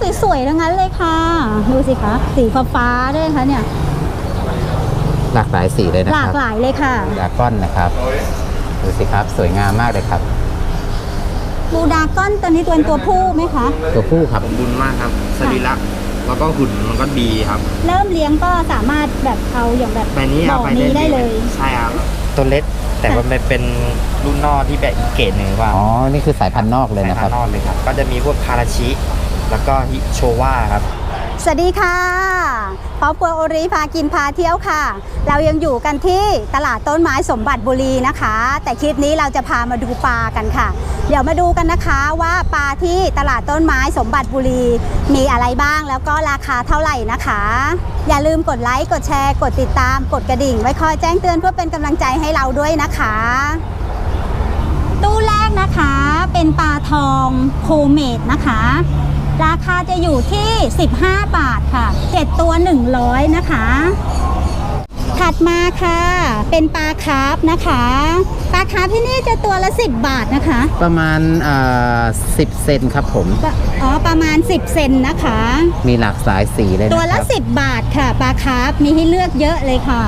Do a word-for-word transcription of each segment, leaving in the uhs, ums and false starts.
สวยๆทั้งนั้นเลยค่ะดูสิคะสีฟ้าๆด้วยคะเนี่ยหลากหลายสีเลยนะหคลารักบหลายเลยค่ะดราก้อนนะครับดูสิครับสวยงามมากเลยครับบูดาก้อนตัวนี้ตัวเป็นตัวผู้ไหมคะตัวผู้ครับสมบูรณ์มากครับสรีระแล้วก็หุ่นมันก็ดีครับเริ่มเลี้ยงก็สามารถแบบเอาอย่างแบบใบนี้บ่เอาอไปนี้ได้เลยใช่ครับตัวเล็กแต่ว่ามันเป็นรุ่นนอกที่แบบอีกเกรดหนึ่งว่าอ๋อนี่คือสายพันธุ์นอกเลยสายนะคพัรันบธุ์นอกเลยครับก็จะมีพวกคาราชิแล้วก็ฮิโชวาครับสวัสดีค่ะครอบครัวโอริพากินพาเที่ยวค่ะ เรายังอยู่กันที่ตลาดต้นไม้สมบัติบุรีนะคะ แต่คลิปนี้เราจะพามาดูปลากันค่ะ เดี๋ยวมาดูกันนะคะว่าปลาที่ตลาดต้นไม้สมบัติบุรีมีอะไรบ้างแล้วก็ราคาเท่าไหร่นะคะ อย่าลืมกดไลค์กดแชร์กดติดตามกดกระดิ่งไว้คอยแจ้งเตือนเพื่อเป็นกำลังใจให้เราด้วยนะคะตู้แรกนะคะเป็นปลาทองโคเมดนะคะราคาจะอยู่ที่สิบห้าบาทค่ะเจ็ดตัวหนึ่งร้อยนะคะถัดมาค่ะเป็นปลาคาร์ฟนะคะปลาคาร์ฟที่นี่จะตัวละสิบบาทนะคะประมาณอ่าสิบเซนครับผมอ๋อประมาณสิบเซนนะคะมีหลากหลายสีเลยนะตัวละครับสิบบาทค่ะปลาคาร์ฟมีให้เลือกเยอะเลยค่ะ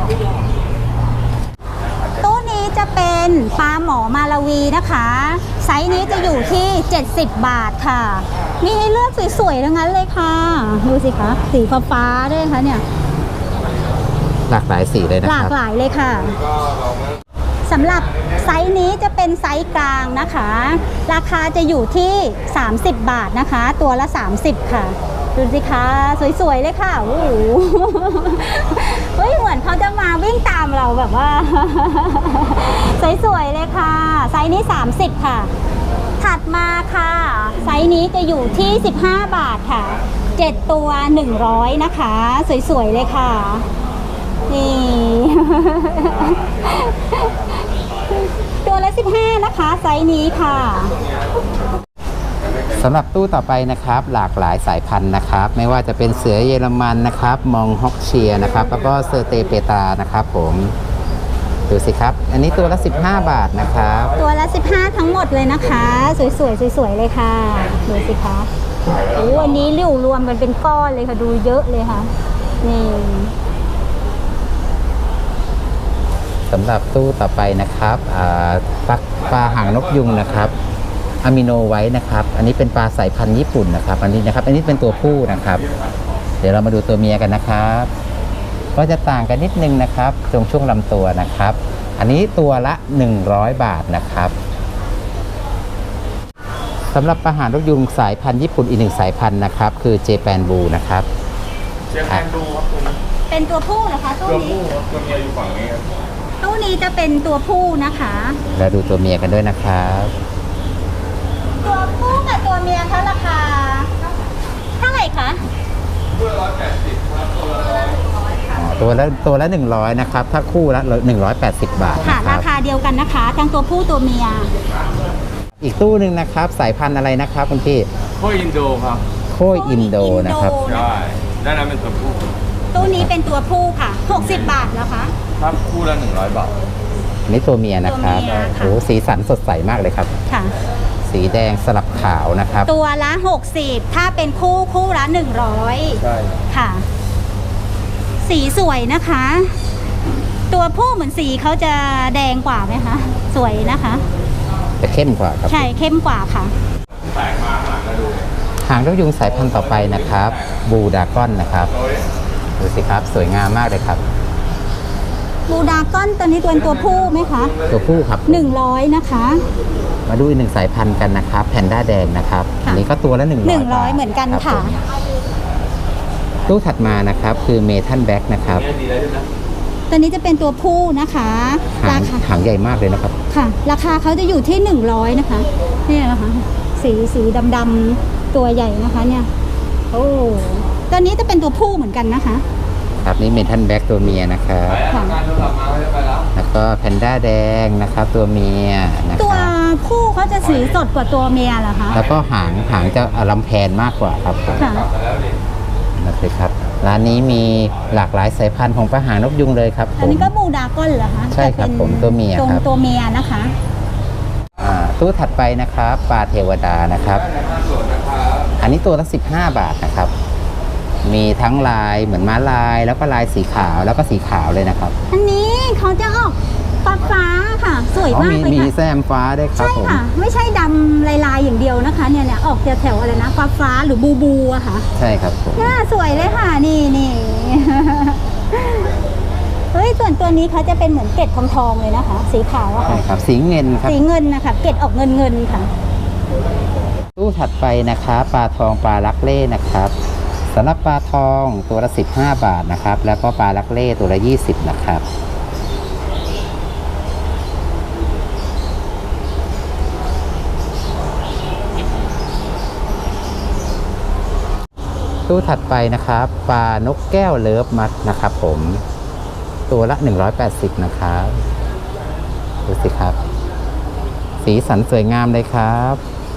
ตู้นี้จะเป็นปลาหมอมาลาวีนะคะไซส์นี้จะอยู่ที่เจ็ดสิบบาทค่ะมีให้เลือกสวยๆทั้งนั้นเลยค่ะดูสิคะสีฟ้าๆด้วยคะเนี่ยหลากหลายสีเลยนะหคลากรับหลายเลยค่ะสำหรับไซส์นี้จะเป็นไซส์กลางนะคะ ราคาจะอยู่ที่สามสิบบาทนะคะ ตัวละสามสิบค่ะดูสิคะสวยๆเลยค่ะโอ้โหเฮ้ยเหมือนเขาจะมาวิ่งตามเราแบบว่า สวยๆเลยค่ะไซส์นี้สามสิบค่ะถัดมาค่ะไซส์นี้จะอยู่ที่สิบห้าบาทค่ะเจ็ดตัวหนึ่งร้อยนะคะสวยๆเลยค่ะนี่ ตัวละสิบห้านะคะไซส์นี้ค่ะสำหรับตู้ต่อไปนะครับหลากหลายสายพันธุ์นะครับไม่ว่าจะเป็นเสือเยอรมันนะครับมองฮอกเชียนะครับแล้วก็เซอร์เตเปตานะครับผมดูสิครับอันนี้ตัวละสิบห้าบาทนะครับตัวละสิบห้าทั้งหมดเลยนะคะสวยๆสวยๆเลยค่ะดูสิคะโอ้อันนี้ริ้วรวมกันเป็นก้อนเลยค่ะดูเยอะเลยค่ะนี่สำหรับตู้ต่อไปนะครับอ่าปลาปลาหางนกยุงนะครับอะมิโนไว้นะครับอันนี้เป็นปลาสายพันธุ์ญี่ปุ่นนะครับอันนี้นะครับอันนี้เป็นตัวผู้นะครับ เดี๋ยวเรามาดูตัวเมียกันนะครับก็จะต่างกันนิดนึงนะครับตรงช่วงลำตัวนะครับ อันนี้ตัวละหนึ่งร้อยบาทนะครับสำหรับปลาหางนกยุงสายพันธุ์ญี่ปุ่นอีกหนึ่งสายพันธุ์นะครับคือเจแปนบูนะครับเจแปนดูครับตัวนี้เป็นตัวผู้เหรอคะตู้ตัวนี้ผู้ครับตัวเมียอยู่ฝั่งนี้ครับตู้นี้จะเป็นตัวผู้นะคะแล้วดูตัวเมียกันด้วยนะครับตัวผู้กับตัวเมียเขาราคาเท่าไหร่คะอ๋อตัวละตัวละหนึ่งร้อยนะครับถ้าคู่ละหนึ่งร้อยแปดสิบบาทค่ะนะครารับคาเดียวกันนะคะทั้งตัวผู้ตัวเมียอีกตู้หนึ่งนะครับสายพันธุ์อะไรนะครับคุณพี่โคอินโดครับโคอินโดนะครับใช่ด้านนั้นเป็นตัวผู้ตู้นี้เป็นตัวผู้ค่ะหกสิบบาทแล้วคะครับคู่ละหนึ่งร้อยบาทอันนี้ตัวเมียนะครับตัวเมียค่ะโอ้สีสันสดใสมากเลยครับค่ะสีแดงสลับขาวนะครับตัวละหกสิบถ้าเป็นคู่คู่ละหนึ่งร้อยใช่ค่ะ สีสวยนะคะ ตัวผู้เหมือนสีเขาจะแดงกว่าไหมคะสวยนะคะจะเข้มกว่าครับใช่เข้มกว่าค่ะหางนกยุงสายพันธุ์ต่อไปนะครับบูดากอนนะครับดูสิครับสวยงามมากเลยครับบูดาก้อนตัวนี้ตัวเป็นตัวผู้ไหมคะตัวผู้ครับหนึ่งร้อยนะคะมาดูอีกหนึ่งสายพันธุ์กันนะครับแพนด้าแดงนะครับค่ะอันนี้ก็ตัวละหนึ่งร้อยหนึ่งร้อยเหมือนกันรับค่ะผมตู้ถัดมานะครับคือเมทัลแบ็กนะครับตัวนี้จะเป็นตัวผู้นะคะหาราง คาหางใหญ่มากเลยนะครับค่ะ ราคาเขาจะอยู่ที่หนึ่งร้อยนะคะเนี่ยนะคะ สีสีดำๆตัวใหญ่นะคะเนี่ยโอ้ตัวนี้จะเป็นตัวผู้เหมือนกันนะคะครับนี่เมทัลแบ็กตัวเมียนะครับค่ะแล้วก็แพนด้าแดงนะครับตัวเมียนะคตัวรับผู้เขาจะสีสดกว่าตัวเมียเหรอคะแล้วก็หางหางจะลำแพนมากกว่าครับผมค่ะนะครับร้านนี้มีหลากหลายสายพันธุ์ของปลาหางนกยุงเลยครับผอันมนี้ก็บูดาก้อนเหรอคะใช่ครับแต่ป็นผมตัวเมียตรงครับตัวเมียนะคะอ่าตู้ถัดไปนะครับปลาเทวดานะครับอันนี้ตัวละสิบห้าบาทนะครับ มีทั้งลายเหมือนม้าลาย แล้วก็ลายสีขาวแล้วก็สีขาวเลยนะครับอันนี้เขาจะออกฟ้าฟ้าๆค่ะ สวยอ๋อมากมีเลยมีค่ะแซมฟ้าด้วยครับใช่ผมค่ะ ไม่ใช่ดำลายๆอย่างเดียวนะคะ เนี่ยเนี่ยออกแถวๆอะไรนะฟ้าฟ้าๆหรือบูบูอะค่ะใช่ครับผมน่าสวยเลยค่ะ นี่นี่ เฮ้ยส่วนตัวนี้เขาจะเป็นเหมือนเกล็ดทองทองๆเลยนะคะ สีขาวอะใช่ค่ะครับสีเงินครับสีเงินนะคะเกล็ดออกเงินเงินๆค่ะตู้ถัดไปนะครับปลาทองปลาลักเล่นะครับสำหรับปลาทองตัวละสิบห้าบาทนะครับ แล้วก็ปลาลักเล่ตัวละยี่สิบนะครับตู้ถัดไปนะครับปลานกแก้วเลิฟมัดนะครับผมตัวละหนึ่งร้อยแปดสิบนะครับดูสิครับ สีสันสวยงามเลยครับ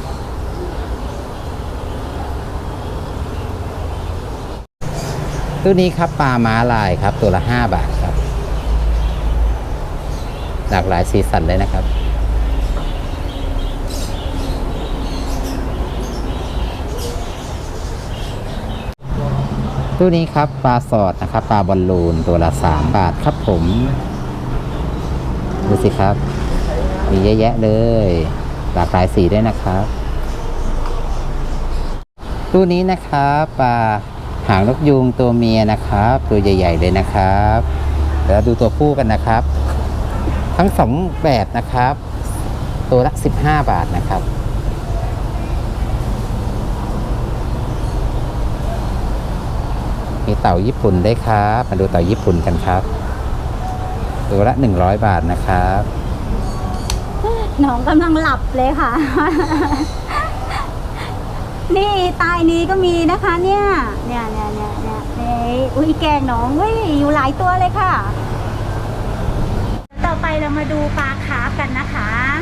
ตู้นี้ครับปลาม้าลายครับตัวละห้าบาทครับหลากหลายสีสันเลยนะครับตู้นี้ครับปลาสอดนะครับปลาบอลลูนตัวละสามบาทครับผมดูสิครับมีเยอะแยะเลยหลากหลายสีด้วยนะครับตู้นี้นะครับปลาหางนกยูงตัวเมียนะครับ ตัวใหญ่ๆเลยนะครับเดี๋ยวดูตัวผู้กันนะครับ ทั้งสองแบบนะครับ ตัวละสิบห้าบาทนะครับ มีเต่าญี่ปุ่นได้วยครับมาดูเต่าญี่ปุ่นกันครับ ตัวละหนึ่งร้อยบาทนะครับน้องกำลังหลับเลยค่ะ นี่ใตายนี้ก็มีนะคะ เนี่ย เนี่ยเนี่ยเนี่ยเนี่ยเนี่ยอุ้ยแกงน้องเว้ยอยู่หลายตัวเลยค่ะ ต่อไปเรามาดูปลาคาร์ฟกันนะคะ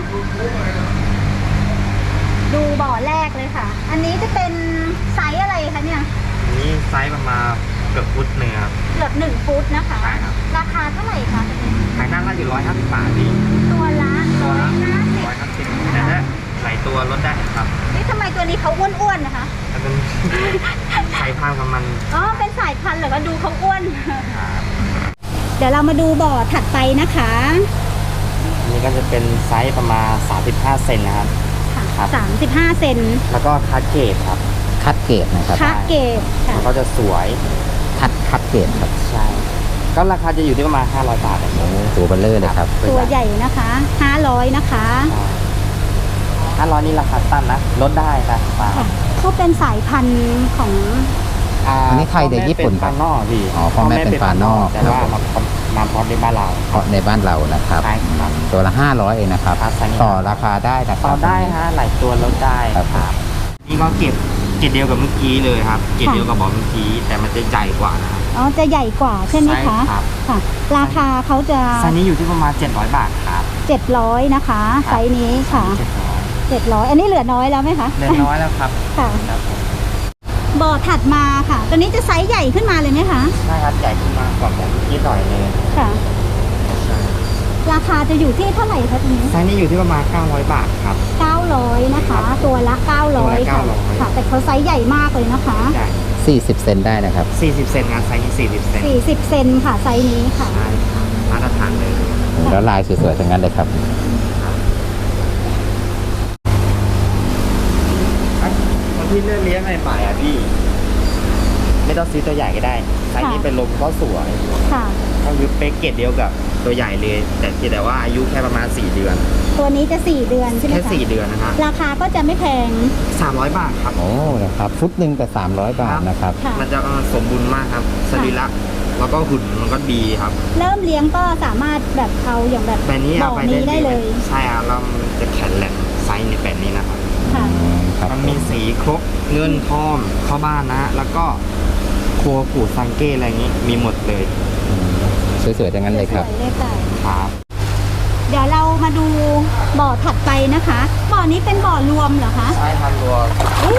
ดูบ่อแรกเลยค่ะ อันนี้จะเป็นไซส์อะไรคะเนี่ยนี่ไซส์ประมาณเกือบฟุตหนึ่งครับเกือบหนึ่งฟุตนะคะใช่ครับราคาเท่าไหร่คะตัวนี้ขายหน้าก็อยู่ร้อยห้าสิบบาทพี่ตัวละตัร้วอยละห้าสิบร้อยห้าสิบแต่ถ้าหลายตัวลดได้ครับนี่ทำไมตัวนี้เขาอ้วนๆนะคะถ้าเป็น สายพันธุ์ของมันอ๋อ เป็นสายพันธุ์เหรอก็ดูเขาอ้วนครับเดี๋ยวเรามาดูบ่อถัดไปนะคะอันนี่ก็จะเป็นไซส์ประมาณสามสิบห้าเซนนะครับ ครับสามสิบห้าเซนแล้วก็คัดเกรดครับคัดเกรดนะครับคะเกตค่ะมันก็จะสวยคัดคัดเกรดครับใช่ ก็ราคาจะอยู่ที่ประมาณห้าร้อยบาทอย่างเงี้ยตัวเบลเลอร์เลยครับตัวใหญ่นะคะห้าร้อยนะคะห้าร้อยนี่ราคาตั้งนะ ลดได้ครับป้าค่ะเขาเป็นสายพันธุ์ของอันนี้ไทยหรือญี่ปุ่นคปรัลาบนอกพี่อ๋อพ่อแม่เป็นปลานอกแต่ว่ามามาพร้อมในบ้านเราเพราะในบ้านเรานะครับใช่ครับตัวละห้าร้อยเองนะครับครับต่อราคาได้นะคต่รัอบ ได้ฮะหลายตัวลดได้ครับครับนี่ก็เก็บเกรดเดียวกับเมื่อกี้เลยครับเกรดเดียวกับบอกเมื่อกี้แต่มันจะใหญ่กว่านะครับอ๋อจะใหญ่กว่าใช่ไหมคะใช่ครับค่ะ ราคาเขาจะไซส์นี้อยู่ที่ประมาณเจ็ดร้อยบาทครับเจ็ดร้อยนะคะครับไซส์นี้ค่ะเจ็ดร้อยเจ็ดร้อยอันนี้เหลือน้อยแล้วไหมคะเล็กน้อยแล้วครับค่ะครับผมบ่อถัดมาค่ะ ตัวนี้จะไซส์ใหญ่ขึ้นมาเลยไหมคะใช่ครับใหญ่ขึ้นมากกว่าแบบเมื่อกี้หน่อยเลยค่ะ ราคาจะอยู่ที่เท่าไหร่คะตัวนี้ไซส์นี้อยู่ที่ประมาณเก้าร้อยบาทครับเก้าร้อยนะคะ ตัวละเก้าร้อยตัวละค่ะเก้าร้อยค่ะ แต่เขาไซส์ใหญ่มากเลยนะคะใหญ่สี่สิบเซนได้นะครับสี่สิบเซนงานไซส์นี้สี่สิบเซนสี่สิบเซนค่ะ ไซส์นี้ค่ะใช่ครับมาตรฐานเลยแล้วลายสวยๆทั้งนั้นเลยครับคนที่เลือกเลี้ยงใหม่ๆอ่ะพี่ ไม่ต้องซื้อตัวใหญ่ก็ได้ไซส์นี้เป็นลมก็สวยค่ะก็คือเป๊กเกตเดียวกับตัวใหญ่เลย แต่เพียงแต่ว่าอายุแค่ประมาณสี่เดือนตัวนี้จะสี่เดือนใช่ไหมแค่คะสี่เดือนนะฮะราคาก็จะไม่แพงสามร้อยบาทครับโอ้นะครับ ฟุตหนึ่งแต่สามร้อยบาทนะครับค่ะมันจะเออสมบูรณ์มากครับสรีระแล้วก็หุ่นมันก็ดีครับเริ่มเลี้ยงก็สามารถแบบเอาอย่างแบบแบบนี้บ่เอาอไปนี้ได้เลยใช่ครับแล้วมันจะแข็งแรงไซส์ในแบบนี้นะครับค่ะครับมันมีสีครบเงินทองเข้าบ้านนะ แล้วก็ครัวกูดซังเก้อะไรอย่างนี้ มีหมดเลยสวยๆทั้งนั้นเลยครับสวยเลยค่ะครับเดี๋ยวเรามาดูบ่อถัดไปนะคะ บ่อนี้เป็นบ่อรวมเหรอคะใช่ทำรัวอู้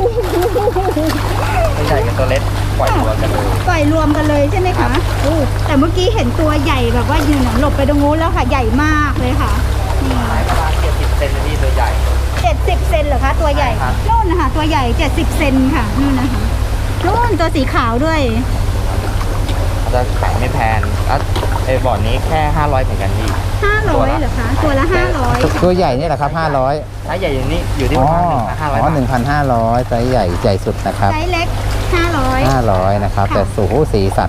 ตัวใหญ่กับตัวเล็กปล่อยตัวกันเลยปล่อยรวมกันเลยใช่ไหมคะอู้แต่เมื่อกี้เห็นตัวใหญ่แบบว่ายืนหลบไปตรงนู้นแล้วค่ะ ใหญ่มากเลยค่ะ นี่ขายประมาณเจ็ดสิบเซนที่ตัวใหญ่เจ็ดสิบเซนเหรอคะ ตัวใหญ่ใช่ครับโน่นนนะคะตัวใหญ่เจ็ดสิบเซนค่ะนู่นนะคะนู่นตัวสีขาวด้วยจะขายไม่แพงแล้วไอ้บอร์ดนี้แค่ห้าร้อยเหมือนกันพี่ห้าร้อยเหรอคะตัวละห้าร้อยตัวใหญ่นี่แหละครับห้าร้อยถ้าใหญ่อย่างนี้อยู่ที่อ๋ปอระมาณห้าร้อยอ๋อบาทหนึ่งพันห้าร้อยไซส์ใหญ่ใหญ่สุดนะครับไซส์เล็กห้าร้อยห้าร้อยนะครับค่ะแต่สูหูสีสัน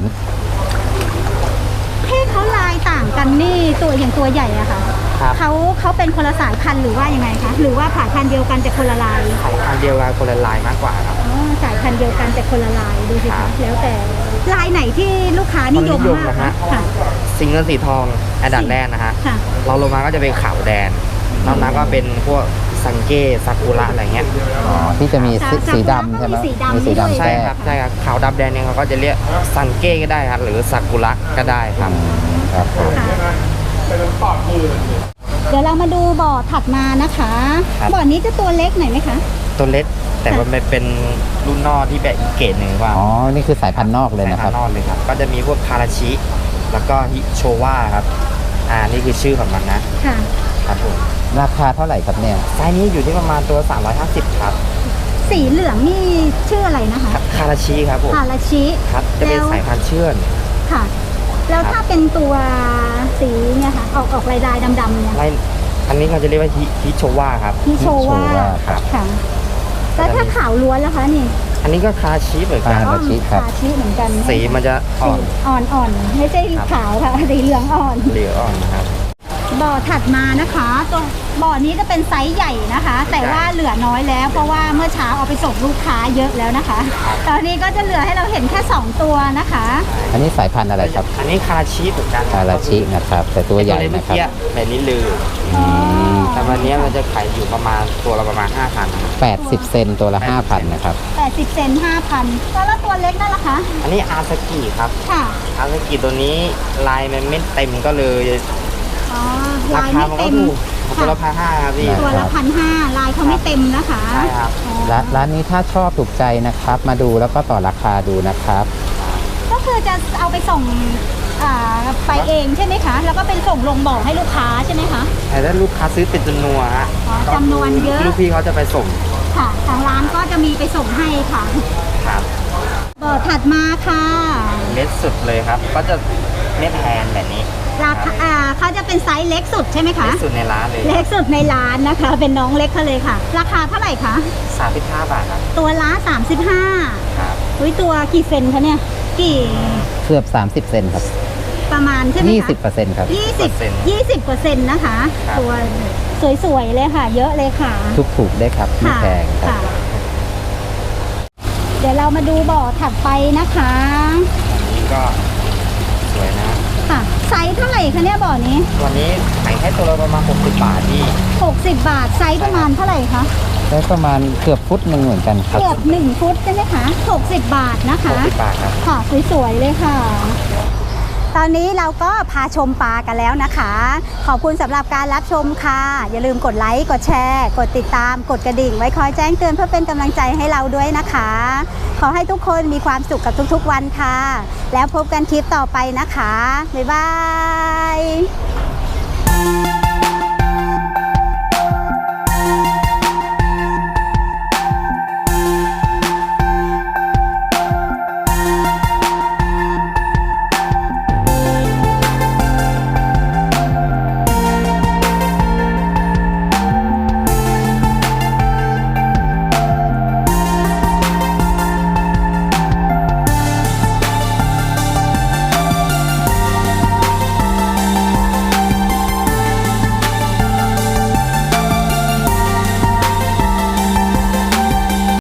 ที่เขาลายต่างกันนี่ตัวอย่างตัวใหญ่อะค่ะครับเขาเขาเป็นคนละสายพันธุ์หรือว่ายังไงคะหรือว่าผ่าพันธุ์เดียวกันแต่คนละลายขายอันเดียวกันคนละลายมากกว่าครับอ๋อสายพันธุ์เดียวกันแต่คนละลายดูสิครัคะบแล้วแต่ลายไหนที่ลูกค้านิยมคนนิยมมากนะคะฮะค่ะสิงเงินสีทองอันดับแรกนะฮะค่ะเราลงมาก็จะเป็นขาวแดงนอกนั้นก็เป็นพวกซังเก้ซากุระอะไรเงี้ยอ๋อที่จะมีสีซาสีกุระดำใช่ไหมก็มีสีดำมีสีด้วยดำใช่แทรครักบใช่ครับขาวดำแดงเนี่ยเขาก็จะเรียกซังเก้ก็ได้ครับหรือซากุระก็ได้ครับครับผมเดี๋ยวเรามาดูบ่อถัดมานะคะครับบ่อนี้จะตัวเล็กหน่อยไหมคะตัวเล็กแต่ว่ามันเป็นรุ่นนอกที่แบบอีกเกรดหนึ่งว่าอ๋อ นี่คือสายพันธุ์นอกเลยนะครับสายพันธุ์นอกเลยครับก็จะมีพวกคาราชิ แล้วก็ฮิโชวาครับอ่านี่คือชื่อของมันนะค่ะครับผมราคาเท่าไหร่ครับเนี่ยไซส์นี้อยู่ที่ประมาณตัว สามร้อยห้าสิบ ครับสีเหลืองนี่ชื่ออะไรนะคะคาราชิครับผมฮาราชิครับจะเป็นแล้วสายพันธุ์เชื่อนค่ะ แล้วครับถ้าเป็นตัวสีเนี่ยค่ะ ออกออกลายลายๆดำๆเนี่ยไล่อันนี้เขาจะเรียกว่าฮิฮิโชวาครับพี่โชว่าฮิโชวาครับค่ะ แล้วถ้าขาวล้วนล่ะคะนี่อันนี้ก็คาราชิเหมือนกันฮาราชิครับฮาชิเหมือนกันสีมันจะอ่อนอ่อนอ่อนๆไม่ใช่ครับขาวค่ะ สีเหลืองอ่อนเหลืองอ่อนนะครับบ่อถัดมานะคะตัวบ่อนี้จะเป็นไซส์ใหญ่นะคะ แต่ว่าเหลือน้อยแล้ว เพราะว่าเมื่อเช้าเอาไปส่งลูกค้าเยอะแล้วนะคะ ตอนนี้ก็จะเหลือให้เราเห็นแค่สองตัวนะคะอันนี้สายพันธุ์อะไรครับอันนี้คาราชิเหมือนกันคาราชินะครับ แต่ตัวใหญ่ไอ้นะครับเมื่อกี้แบบนี้ลืออืมแต่วันนี้มันจะขายอยู่ประมาณตัวละประมาณ ห้าพันแปดสิบเซนตัวละห้าพันนะครับแปดสิบเซนห้าพันแล้วตัวเล็กนั่นล่ะคะอันนี้อาซากิครับค่ะอาซากิตัวนี้ลายมันไม่เต็มก็เลยอ๋อราลายคาไม่มันก็เต็มถูกตัวละค่ะพันห้าครับพี่ตัวละพันห้าลายเขาไม่เต็มนะคะใช่ครับอ๋อร้านร้านนี้ถ้าชอบถูกใจนะครับ มาดูแล้วก็ต่อราคาดูนะครับก็คือจะเอาไปส่งอ่าไปเองใช่ไหมคะ แล้วก็เป็นส่งลงบ่อให้ลูกค้าใช่ไหมคะแต่ถ้าลูกค้าซื้อเป็นจำนวนฮะอ๋อจำนวนเยอะลูกพี่เขาจะไปส่งค่ะ ทางร้านก็จะมีไปส่งให้ค่ะครับบ่อถัดมาค่ะเม็ดสุดเลยครับ ก็จะเม็ดแทนแบบนี้ราคาอ่าเขาจะเป็นไซส์เล็กสุดใช่ไหมคะเม็ดสุดในร้านเลยเล็กสุดในร้านนะคะ เป็นน้องเล็กเขาเลยค่ะ ราคาเท่าไหร่คะสามสิบห้าบาทครับตัวละสามสิบห้าครับอุ้ยตัวกี่เซนคะเนี่ย กี่เกือบสามสิบเซนครับประมาณใช่ไหมคะยี่สิบเปอร์เซ็นต์ครับยี่สิบยี่สิบเปอร์เซ็นต์นะคะ ตัวสวยๆเลยค่ะ เยอะเลยค่ะทุกถูกได้ครับไม่ค่ะแพงครับค่ะ เดี๋ยวเรามาดูบ่อถัดไปนะคะอันนี้ก็สวยนะค่ะ ไซส์เท่าไหร่คะเนี่ยบ่อนี้วันนี้ขายแค่ตัวละประมาณหกสิบบาทที่หกสิบบาท ไซส์ประมาณเท่าไหร่คะได้ประมาณเกือบฟุตหนึ่งเหมือนกันครับเกือบหนึ่งฟุตใช่ไหมคะหกสิบบาทนะคะหกสิบบาทครับค่ะสวยๆเลยค่ะ ตอนนี้เราก็พาชมปลากันแล้วนะคะ ขอบคุณสำหรับการรับชมค่ะ อย่าลืมกดไลค์ กดแชร์ กดติดตาม กดกระดิ่ง ไว้คอยแจ้งเตือนเพื่อเป็นกำลังใจให้เราด้วยนะคะ ขอให้ทุกคนมีความสุขกับทุกๆวันค่ะ แล้วพบกันคลิปต่อไปนะคะ บ๊ายบาย